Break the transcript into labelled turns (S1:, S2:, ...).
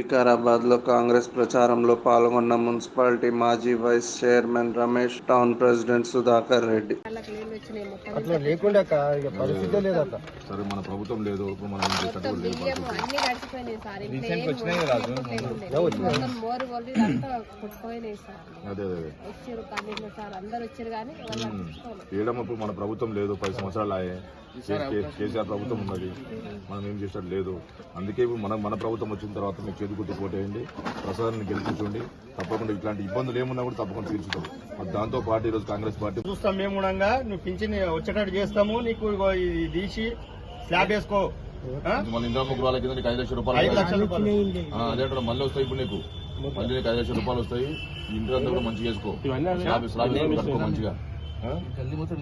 S1: వికారాబాద్లో కాంగ్రెస్ ప్రచారంలో పాల్గొన్న మున్సిపాలిటీ మాజీ vice chairman Ramesh, town president Sudhakar Reddy.
S2: అట్లా లేకుండా పరిస్థితే లేదు. అట్లా
S3: సరే మన ప్రభుత్వం లేదు, మనం ఏడమప్పుడు మన ప్రభుత్వం లేదు, 10 సంవత్సరాలు ఆయే. కేసీఆర్ ప్రభుత్వం ఉన్నది, మనం ఏం చేసేది లేదు. అందుకే మన ప్రభుత్వం వచ్చిన తర్వాత మీకు చేతి గుర్తు పోటేయండి, ప్రసాదాన్ని గెలిపించండి. తప్పకుండా ఇట్లాంటి ఇబ్బందులు ఏమున్నా కూడా తప్పకుండా తీర్చుతాం. దాంతో పాటు ఈరోజు కాంగ్రెస్ పార్టీ
S2: చూస్తాం. మేము కూడా నువ్వు పింఛన్ వచ్చేటట్టు చేస్తాము. నీకు తీసి స్లాబ్ వేసుకో.
S3: మన ఇందిరా గృహాల కింద నీకు 5 లక్షల రూపాయలు, అదే మళ్ళీ వస్తాయి. ఇప్పుడు నీకు మళ్ళీ నీకు 5 లక్షల రూపాయలు వస్తాయి. ఇంటి అంతా కూడా మంచిగా వేసుకో, స్లాబ్ కట్టుకో మంచిగా.